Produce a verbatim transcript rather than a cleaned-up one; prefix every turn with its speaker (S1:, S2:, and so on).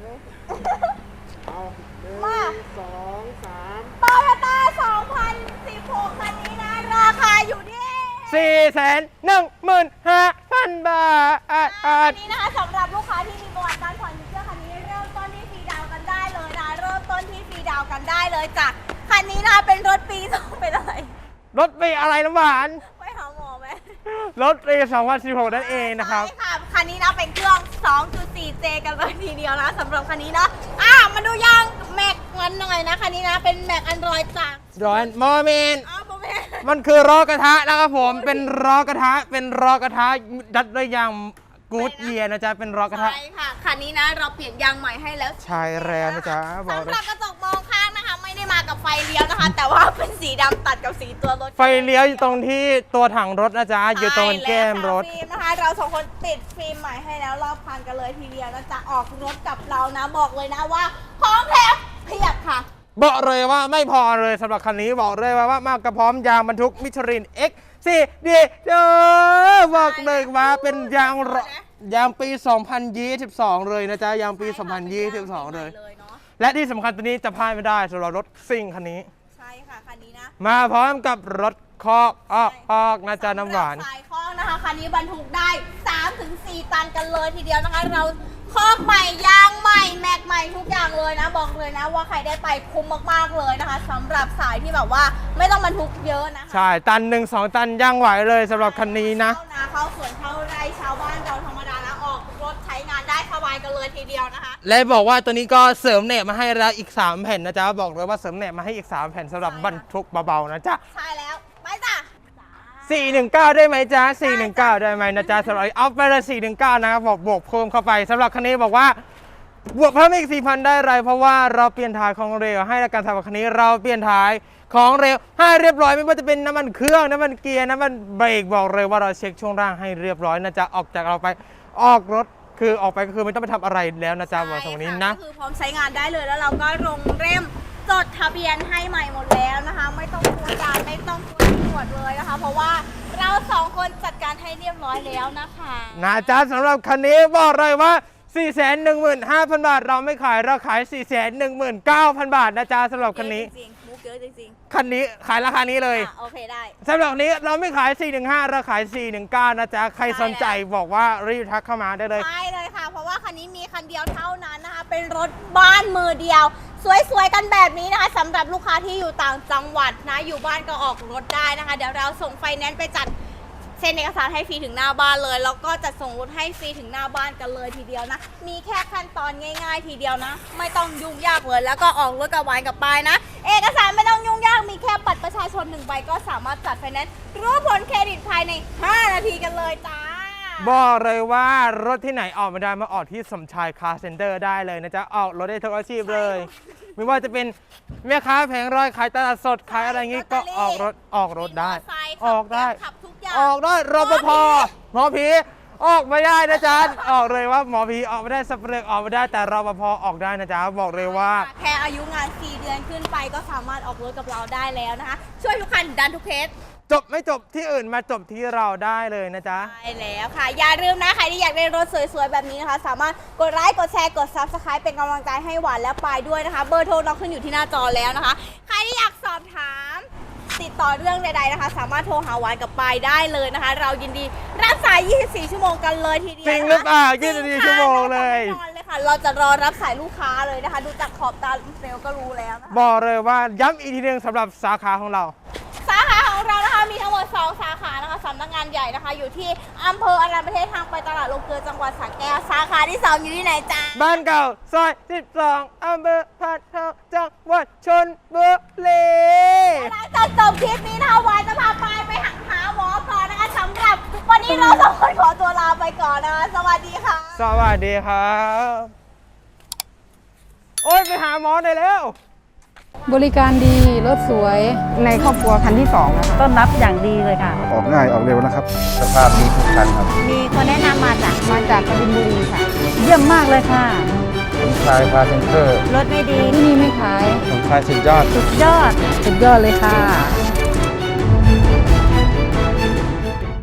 S1: เอา
S2: มา
S1: สองสาม
S2: โตโยต้าสองพันสิบหกคันนี้นะราคาอยู่ที่
S3: สี่แสนหนึ่งหมื่นห้าพันบาท
S2: คันนี้นะคะสำหรับลูกค้าที่มีประวัติการผ่อนสินเชื่อคันนี้เริ่มต้นที่ฟรีดาวกันได้เลยนะเริ่มต้นที่ฟรีดาวกันได้เลยจ้ะคันนี้นะเป็นรถปีสองเป็นอะไร
S3: รถปีอะไรน้ำหวาน
S2: ไปหาหมอไหม
S3: รถปีสองพันสิบหกนั่นเองนะครับ
S2: ใช่ค่ะคันนี้นะเป็นเครื่อง สองจุดสี่เจ กันเลยทีเดียวนะสำหรับคันนี้เนาะอ่ะมาดูยางแม็กมันหน่อยนะคันนี้นะเป็นแม็กอันดรอยจ้ะ
S3: ร้อนโมเมนต์
S2: อ๋อโมเมนต์
S3: มันคือล้อกระทะนะครับผมเป็นล้อกระทะเป็นล้อกระทะดัดด้วยยางกู๊ดเยียนะจ๊ะเป็นล้อกระทะ
S2: ใช่ค่ะคันนี้นะเราเปลี่ยนยางใหม่ให้แล้ว
S3: ใช่แล้วนะจ๊ะบอก
S2: สำหรับกระจกมองข้างนะคะไม่ได้มากับไฟเลี้ยวนะคะ แต่ว่าเป็นสีดำตัดกับสีตัวรถ
S3: ไฟเลี้ยวอยู่ตรงที่ตัวถังรถนะจ๊ะอยู่ตรงแก้มรถ
S2: ฟิล์มนะคะเราสองคนติดฟิล์มใหม่ให้แล้วรอบคันกันเลยทีเดียวนะจ๊ะออกรถกับเรานะบอกเลยนะว่าของแถมเพียบค่ะ
S3: บอกเลยว่าไม่พอเลยสำหรับคันนี้บอกเลยว่าว่ามากกระพร้อมยางบรรทุกมิชลิน X สี่ ดีเด้อบอกเลยว่าเป็นยางยางปี สองพันยี่สิบสอง เลยนะจ๊ะยางปี สองพันยี่สิบสอง เลยและที่สำคัญตัวนี้จะพลาดไม่ได้สำหรับรถซิ่งคันนี้
S2: ใช่ค่ะคันนี้นะ
S3: มาพร้อมกับรถคอกออกออกนะจ๊ะน้ำหวาน
S2: สายคอกนะคะคันนี้บรรทุกได้ สามถึงสี่ ตันกันเลยทีเดียวนะคะเราคอกใหม่ยางใหม่แม็กใหม่ทุกอย่างเลยนะบอกเลยนะว่าใครได้ไปคุ้มมากๆเลยนะคะสำหรับสายที่แบบว่าไม่ต้องบรรทุกเยอะนะคะ
S3: ใช่ตันหนึ่งสองตันย่างไหวเลยสำหรับคันนี้นะ
S2: เข้านาเข้าสวนเข้าไร่ชาวบ้านเราธรรมดานะออกรถใช้งานได้สบายกันเลยทีเดียวนะคะ
S3: และบอกว่าตัวนี้ก็เสริมเน็ตมาให้แล้วอีกสามแผ่นนะจ๊ะบอกเลยว่าเสริมเน็ตมาให้อีกสามแผ่นสำหรับบรรทุกเบาๆนะจ๊ะ
S2: ใช่แล้วไปจ้ะ
S3: สี่หนึ่งเก้าได้ไหมจ๊ะสี่หนึ่งเก้าได้ไหมนะจ๊ะสำหรับเอาไปเลยสี่หนึ่งเก้านะครับบอกบวกเพิ่มเข้าไปสำหรับคันนี้บอกว่าบวกเพิ่มอีก สี่พัน ได้ไรเพราะว่าเราเปลี่ยนถ่ายของเร็วให้ในการทำคันนี้เราเปลี่ยนถ่ายของเร็วให้เรียบร้อยไม่ว่าจะเป็นน้ำมันเครื่องน้ำมันเกียร์น้ำมันเบรกบอกเลยว่าเราเช็คช่วงล่างให้เรียบร้อยนะจ๊ะออกจากเราไปออกรถคือออกไปก็คือไม่ต้องไปทำอะไรแล้วนะจ๊ะบอกตรงนี้นะ
S2: คือพร้อมใช้งานได้เลยแล้วเราก็ลงเล่มจดทะเบียนให้ใหม่หมดแล้วนะคะไม่ต้องกลัวด่านไม่ต้องกลัวตำรวจเลยนะคะเพราะว่าเราสองคนจัดการให้เรียบร้อยแล้วนะคะ
S3: นะจ๊ะสำหรับคันนี้บอกเลยว่า สี่แสนหนึ่งหมื่นห้าพัน บาทเราไม่ขายเราขาย สี่แสนหนึ่งหมื่นเก้าพัน บาทนะจ๊ะสำหรับคันนี้
S2: จริงๆมุกเยอะจริง
S3: ๆคันนี้ขายราคานี้เลย
S2: โอเคได้
S3: สำหรับนี้เราไม่ขายสี่หนึ่งห้าเราขายสี่หนึ่งเก้านะจ๊ะใครสนใจบอกว่ารีบทักเข้ามาได้เลย
S2: ใช่เลยค่ะเพราะว่าคันนี้มีคันเดียวเท่านั้นนะคะเป็นรถบ้านมือเดียวสวยๆกันแบบนี้นะคะสำหรับลูกค้าที่อยู่ต่างจังหวัดนะอยู่บ้านก็ออกรถได้นะคะเดี๋ยวเราส่งไฟแนนซ์ไปจัดเซ็นเอกสารให้ฟรีถึงหน้าบ้านเลยแล้วก็จะส่งรถให้ฟรีถึงหน้าบ้านกันเลยทีเดียวนะมีแค่ขั้นตอนง่ายๆทีเดียวนะไม่ต้องยุ่งยากเลยแล้วก็ออกรถกับวานกับปายนะเอกสารไม่ต้องยุ่งยากมีแค่บัตรประชาชนหนึ่งใบก็สามารถจัดไฟแนนซ์รู้ผลเครดิตภายในห้านาทีกันเลยจ้า
S3: บอกเลยว่ารถที่ไหนออกไม่ได้มาออกที่สมชายคาร์เซ็นเตอร์ได้เลยนะจ๊ะออกรถได้ทุกอาชีพเลยไม่ว่าจะเป็นแม่ค้าแผงรอยขายตลาดสดขายอะไรงี้ก็ออกรถออกรถได้ออกได้ออกได้รปภหมอผีออกไม่ได้นะจ๊ะออกเลยว่าหมอผีออกไม่ได้สเปรย์ออกไม่ได้แต่รปภออกได้นะจ๊ะบอกเลยว่า
S2: แค่อายุงานสี่เดือนขึ้นไปก็สามารถออกรถกับเราได้แล้วนะคะช่วยทุกคันดันทุกเคส
S3: จบไม่จบที่อื่นมาจบที่เราได้เลยนะจ๊ะ
S2: ใช่แล้วค่ะอย่าลืมนะใครที่อยากได้รถสวยๆแบบนี้นะคะสามารถกดไลค์กดแชร์กด ซับสไครบ์ เป็นกำลังใจให้หวานและปายด้วยนะคะเบอร์โทรเราขึ้นอยู่ที่หน้าจอแล้วนะคะใครที่อยากสอบถามติดต่อเรื่องใดๆนะคะสามารถโทรหาหวานกับปายได้เลยนะคะเรายินดีรับสายยี่สิบสี่ชั่วโมงกันเลยทีเดียว
S3: จริงหรือเปล่ายี่สิบสี่ชั่วโมงเลย
S2: แน่นอนเลยค่ะเราจะรอรับสายลูกค้าเลยนะคะดูจากขอบตาเซลก็รู้แล้วนะคะ
S3: บอกเลยว่าย้ำอีกทีนึงสำหรับสาขาของเรา
S2: สาขาของเรานะคะมีทั้งหมดสองสาขานะคะสำนักงานใหญ่นะคะอยู่ที่อำเภออารัญญประเทศทางไปตลาดลงเกลือจังหวัดสระแก้วสาขาที่สองอยู่ที่ไหนจ๊ะ
S3: บ้านเก่าซอยสิบสองอำเภอพานทองจังหวัดชลบุรี
S2: หลังจากจบคลิปนี้นะคะวานจะพาไปไปหาหาหมอก่อนนะคะสำหรับวันนี้เราสองคนขอตัวลาไปก่อนนะคะสวัสดีค่ะ
S3: สวัสดีครับโอ้ยไปหาหมอหน่อยแล้ว
S4: บริการดีรถสวยในครอบครัวคันที่สองนะคะ
S5: ต้อนรับอย่างดีเลยค่ะ
S1: ออกง่ายออกเร็วนะครับสภาพดีทุกคันครับ
S5: มีคนแนะนำมาจาก
S4: มาจากกบินบุรีค่ะ
S5: เยี่ยมมากเลยค่ะ
S1: สมชายคาร์เซ็นเตอร์
S5: รถไม่ดี
S4: ที่นี่ไม่ขาย
S1: สมชายสุดยอด
S5: สุดยอด
S4: สุดยอดเลยค่ะ